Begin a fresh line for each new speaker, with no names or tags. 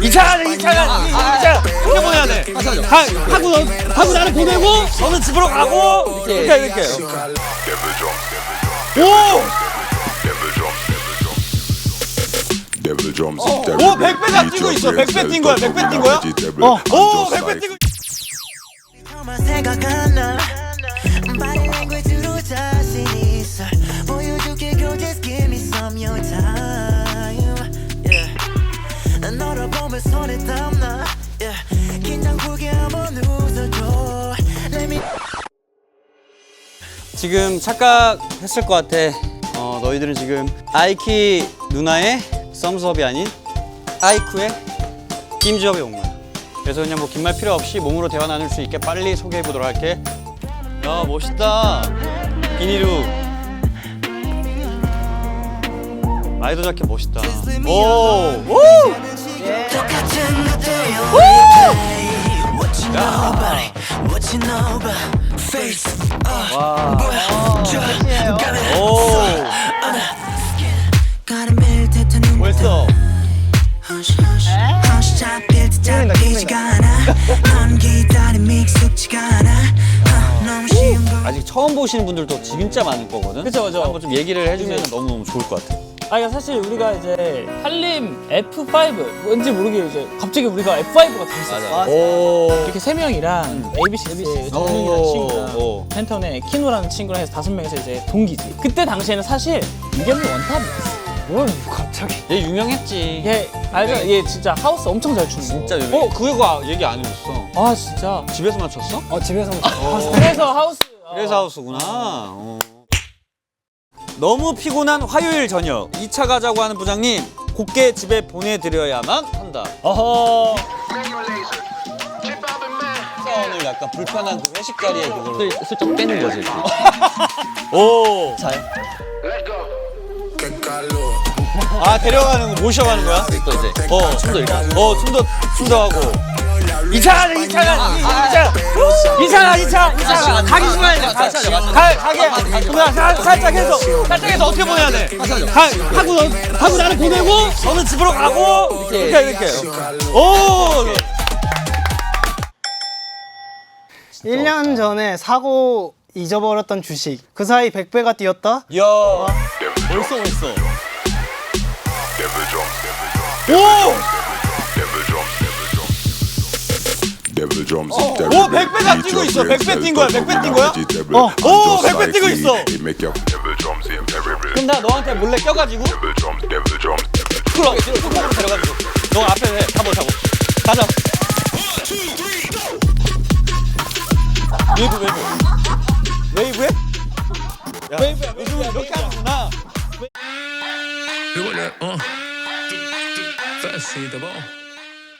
이차가 이렇게 보내야 돼. 하고 나는 보내고 너는 집으로 가고 이렇게. 오 100배 뛰고 있어. 100배 뛴 거야. 100배 뛴 거야? 오 100배 뛰고. 지금 착각했을 것 같아. 너희들은 지금 아이키 누나의 썸수업이 아닌 아이쿠의 김주업에 온 거야. 그래서 그냥 뭐 긴 말 필요 없이 몸으로 대화 나눌 수 있게 빨리 소개해 보도록 할게. 야 멋있다. 비니루. 라이더 자켓 멋있다. 오! 오! 와. 오. 벌써. 아직 처음 보시는 분들도 진짜 많을 거거든.
그쵸.
한번 좀 얘기를 해주면 너무 좋을 것 같아.
아니 사실 우리가 이제 한림 F5 왠지 모르게 이제 갑자기 우리가 F5가 돼 있었어.
오.
이렇게 세 명이랑 ABC 정민이라는 친구랑 팬톤의 키노라는 친구랑 해서 5명이서 이제 동기지. 그때 당시에는 사실 이겸이 원탑이었어.
뭘 갑자기? 얘 유명했지.
얘 알죠? 얘 진짜 하우스 엄청 잘 추는 거.
진짜 유명. 그거 얘기 안 해줬어.
아 진짜.
집에서 맞췄어?
집에서 그래서 하우스.
그래서 하우스구나. 너무 피곤한 화요일 저녁 2차 가자고 하는 부장님 곱게 집에 보내드려야만 한다.
어허.
오늘 약간 불편한 그 회식 자리에 그걸로 슬쩍 빼는 거지. 오. 잘. 아 데려가는 거 모셔가는 거야? 또 이제. 춤도 이렇게. 춤도 하고. 2차 가기 싫어야 돼. 가게. 그냥 살짝 해서 어떻게 보내야 돼? 하고 나는 보내고 너는 집으로 가고 이렇게. 오.
1년 전에 사고 잊어버렸던 주식. 그 사이 100배가 뛰었다?
야. 벌써. 오! 오 100배가 뛰고 있어. 100배 뛴 거야. 100배 뛴 거야? 오 100배 뛰고 있어. 그럼 나 너한테 몰래 껴가지고 풀어 뚜껑으로 데려가지고 너 앞에 해. 타고 가자. 웨이브해? 웨이브야. 요즘은 이렇게 하는구나.
Fancy the ball.